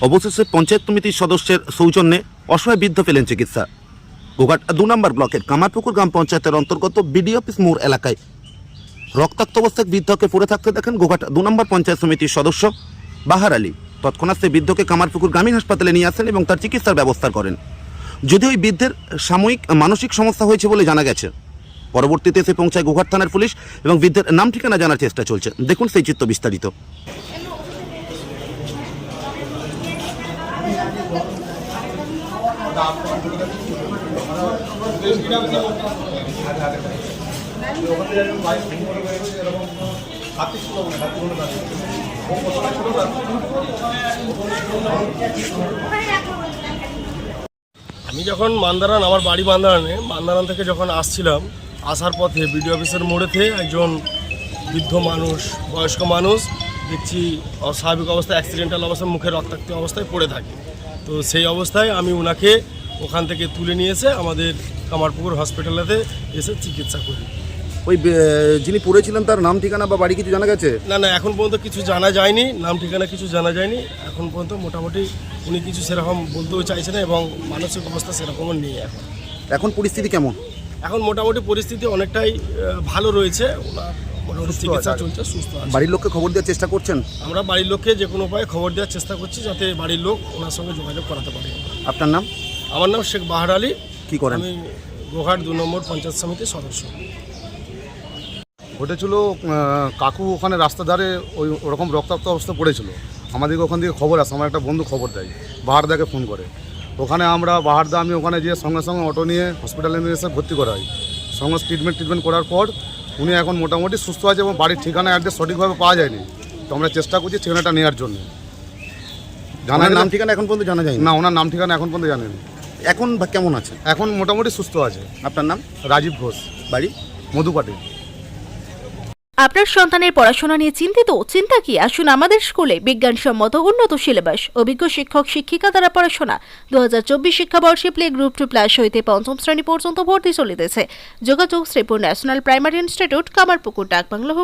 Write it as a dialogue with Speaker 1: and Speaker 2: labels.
Speaker 1: অবশেষে পঞ্চায়েত সমিতির সদস্যের সৌজন্যে অসহায় বৃদ্ধ পেলেন চিকিৎসা। গোঘাট 2 নম্বর ব্লকের কামারপুকুর গ্রাম পঞ্চায়েতের অন্তর্গত বিডি অফিস মোড় এলাকায় রক্তাক্ত অবস্থায় বৃদ্ধকে পড়ে থাকতে দেখেন গোঘাট 2 নম্বর পঞ্চায়েত সমিতির সদস্য বাহার আলী। তৎক্ষণাৎ সেই বৃদ্ধকে কামারপুকুর গ্রামীণ হাসপাতালে নিয়ে আসেন এবং তার চিকিৎসার ব্যবস্থা করেন। যদিও ওই বৃদ্ধের সাময়িক মানসিক সমস্যা হয়েছে বলে জানা গেছে। পরবর্তীতে এসে পৌঁছায় গোঘাট থানার পুলিশ এবং বৃদ্ধের নাম ঠিকানা জানার চেষ্টা চলছে। দেখুন সেই চিত্র বিস্তারিত।
Speaker 2: আমি যখন মান্দারান, আমার বাড়ি মান্দারান থেকে যখন আসছিলাম, আসার পথে বিডিও অফিসের মোড়েতে একজন বৃদ্ধ মানুষ, বয়স্ক মানুষ দেখছি অস্বাভাবিক অবস্থায়, অ্যাক্সিডেন্টাল অবস্থায়, মুখে রক্তাক্ত অবস্থায় পড়ে থাকে। তো সেই অবস্থায় আমি ওনাকে ওখান থেকে তুলে নিয়ে এসে আমাদের কামারপুকুর হসপিটালেতে এসে চিকিৎসা করি।
Speaker 1: ওই যিনি পড়েছিলেন তার নাম ঠিকানা বা বাড়ি কিছু জানা গেছে?
Speaker 2: না, এখন পর্যন্ত কিছু জানা যায়নি, নাম ঠিকানা কিছু জানা যায়নি এখন পর্যন্ত। মোটামুটি উনি কিছু সেরকম বলতেও চাইছে না এবং মানসিক অবস্থা সেরকমও নেই। এখন
Speaker 1: পরিস্থিতি কেমন?
Speaker 2: এখন মোটামুটি পরিস্থিতি অনেকটাই ভালো রয়েছে। ওনার মোটামুটি চিকিৎসা চলছে, সুস্থ আছে।
Speaker 1: বাড়ির লোককে খবর দেওয়ার চেষ্টা করছেন?
Speaker 2: আমরা বাড়ির লোককে যে কোনো উপায়ে খবর দেওয়ার চেষ্টা করছি, যাতে বাড়ির লোক ওনার সঙ্গে যোগাযোগ করাতে পারে।
Speaker 1: আপনার নাম?
Speaker 2: আমার নাম শেখ বাহার আলী।
Speaker 1: কি করেন?
Speaker 2: আমি গোঘাট 2 নম্বর পঞ্চায়েত সমিতির সদস্য।
Speaker 3: ঘটেছিল কাকু ওখানে রাস্তার ধারে ওরকম রক্তাক্ত অবস্থা পড়েছিল। আমাদেরকে ওখান থেকে খবর আসে, আমার একটা বন্ধু খবর দেয়, বাহারদাকে ফোন করে। ওখানে আমরা বাহারদা আমি ওখানে গিয়ে সঙ্গে সঙ্গে অটো নিয়ে হসপিটালে নিয়ে এসে ভর্তি করা হয়। সঙ্গে ট্রিটমেন্ট করার পর উনি এখন মোটামুটি সুস্থ আছে এবং বাড়ির ঠিকানা অ্যাড্রেস সঠিকভাবে পাওয়া যায়নি। তো আমরা চেষ্টা করছি ঠিকানাটা নেওয়ার জন্য।
Speaker 1: জানার নাম ঠিকানা এখন পর্যন্ত জানা যায়
Speaker 3: না, ওনার নাম ঠিকানা এখন পর্যন্ত জানেনি।
Speaker 1: এখন কেমন আছে?
Speaker 3: এখন মোটামুটি সুস্থ আছে।
Speaker 1: আপনার নাম?
Speaker 3: রাজীব ঘোষ,
Speaker 1: বাড়ি
Speaker 3: মধুপাটি।
Speaker 4: আপনার সন্তানের পড়াশোনা নিয়ে চিন্তিত? চিন্তা কি, আসুন আমাদের স্কুলে। বিজ্ঞানসম্মত উন্নত সিলেবাস, অভিজ্ঞ শিক্ষক শিক্ষিকা দ্বারা পড়াশোনা। 2024 শিক্ষাবর্ষে প্লে গ্রুপ 2+ হইতে 5ম শ্রেণী পর্যন্ত ভর্তি চলিতেছে। যোগাযোগ Shripur national primary institute, Kamarpukur, ডাকবাংলো।